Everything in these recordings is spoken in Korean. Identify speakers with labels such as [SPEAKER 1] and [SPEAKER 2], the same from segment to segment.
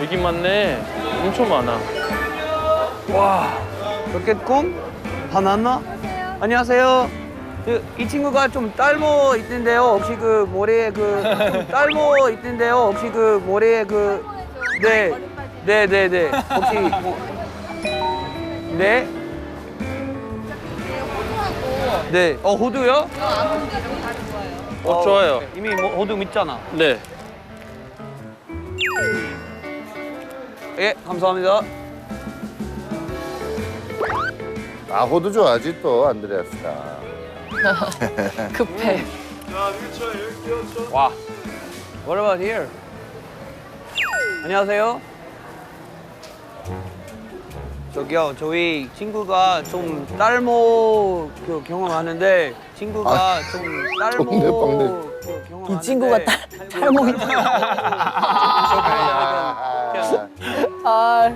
[SPEAKER 1] 여기 많네. 엄청 많아.
[SPEAKER 2] 와, 로켓콩? 바나나? 안녕하세요. 이 친구가 좀 딸모 있는데요. 혹시 그 머리에 좀 딸모 있는데요. 혹시 그 머리에 네. 혹시 네? 네. 호두요?
[SPEAKER 3] 아몬드 이런 거 좋아해요.
[SPEAKER 1] 좋아요.
[SPEAKER 2] 이미 호두 믿잖아.
[SPEAKER 1] 네.
[SPEAKER 2] 예, 감사합니다.
[SPEAKER 4] 아, 호두 좋아하지 또 안드레아스가.
[SPEAKER 3] 급해.
[SPEAKER 2] 와. What about here? 안녕하세요. 저기요, 저희 친구가 좀 딸모 경험하는데 친구가 좀 딸모 경험하는데
[SPEAKER 5] 이 친구가 딸모 아,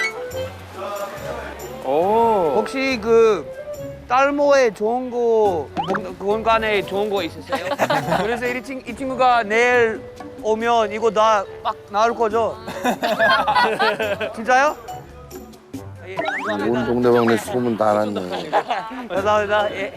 [SPEAKER 1] 오.
[SPEAKER 2] 혹시 그 딸모에 좋은 거 공간에 좋은 거 있으세요? 그래서 이 친구가 내일 오면 이거 다 막 나올 거죠? 진짜요? 예,
[SPEAKER 4] 온
[SPEAKER 2] 감사합니다.
[SPEAKER 4] 동네방네 소문 다 났네.
[SPEAKER 2] 감사합니다. 예.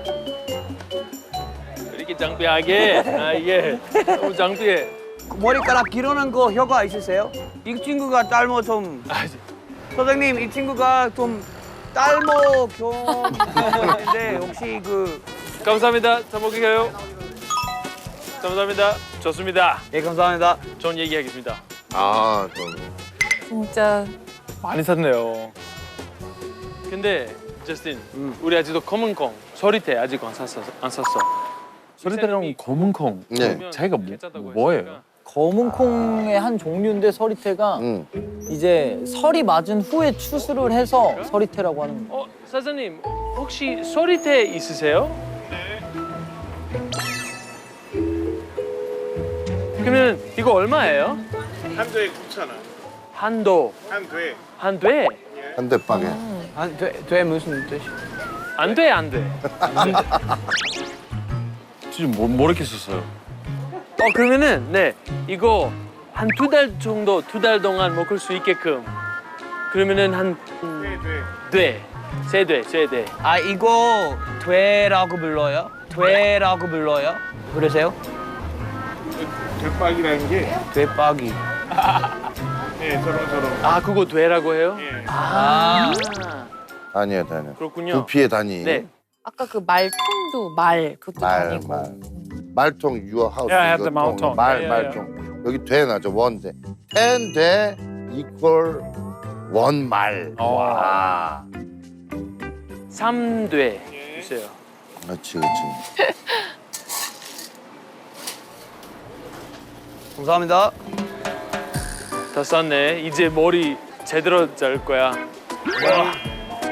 [SPEAKER 1] 이렇게 장비하게. 이게 너무 장비해.
[SPEAKER 2] 머리카락 기르는 거 효과 있으세요? 이 친구가 딸모 좀 선생님 이 친구가 좀 딸모 경험인데 혹시
[SPEAKER 1] 감사합니다. 잘 먹을게요. 감사합니다. 좋습니다.
[SPEAKER 2] 예 감사합니다.
[SPEAKER 1] 좋은 얘기하겠습니다.
[SPEAKER 4] 아, 좀.
[SPEAKER 3] 진짜
[SPEAKER 1] 많이 샀네요. 근데 저스틴, 우리 아직도 검은 콩, 소리태 아직 안 샀어.
[SPEAKER 6] 소리대랑 검은 콩.
[SPEAKER 4] 네.
[SPEAKER 6] 차이가 뭐예요?
[SPEAKER 5] 검은 콩의 한 종류인데 서리태가
[SPEAKER 4] 응.
[SPEAKER 5] 이제 설이 맞은 후에 추수를 해서 서리태라고 하는 거예요.
[SPEAKER 1] 사장님, 혹시 소리태 있으세요? 그러면 이거 얼마예요?
[SPEAKER 7] 한도에 9,000원.
[SPEAKER 1] 한도.
[SPEAKER 7] 한도에.
[SPEAKER 1] 한 돼?
[SPEAKER 4] 한 대 빵에.
[SPEAKER 2] 돼 무슨 뜻이?
[SPEAKER 1] 안 돼, 안 돼.
[SPEAKER 6] 진짜 뭐 이렇게 썼어요?
[SPEAKER 1] 그러면은 네 이거 한 2달 정도, 2달 동안 먹을 수 있게끔. 그러면은 한 세 돼.
[SPEAKER 2] 아 이거 되라고 불러요? 되라고 불러요? 그러세요?
[SPEAKER 7] 대박이라는 게
[SPEAKER 2] 되박이.
[SPEAKER 7] 네, 저런.
[SPEAKER 1] 아 그거 돼라고 해요?
[SPEAKER 7] 예.
[SPEAKER 1] 아
[SPEAKER 4] 단위야, 단위.
[SPEAKER 1] 그렇군요.
[SPEAKER 4] 부피의 단위.
[SPEAKER 1] 네.
[SPEAKER 3] 아까 그 말통도 말 그것도
[SPEAKER 4] 말,
[SPEAKER 3] 아니고.
[SPEAKER 4] 말. 말통, your house.
[SPEAKER 6] Yeah, I have
[SPEAKER 4] 이거
[SPEAKER 6] the 말통.
[SPEAKER 4] 말,
[SPEAKER 6] Yeah,
[SPEAKER 4] 말통. 여기 돼 나죠, 원 돼. ten 돼 equal 원 말. 와.
[SPEAKER 1] 3돼 주세요.
[SPEAKER 4] 그렇지.
[SPEAKER 2] 감사합니다.
[SPEAKER 1] 다 쌌네. 이제 머리 제대로 자를 거야. 와.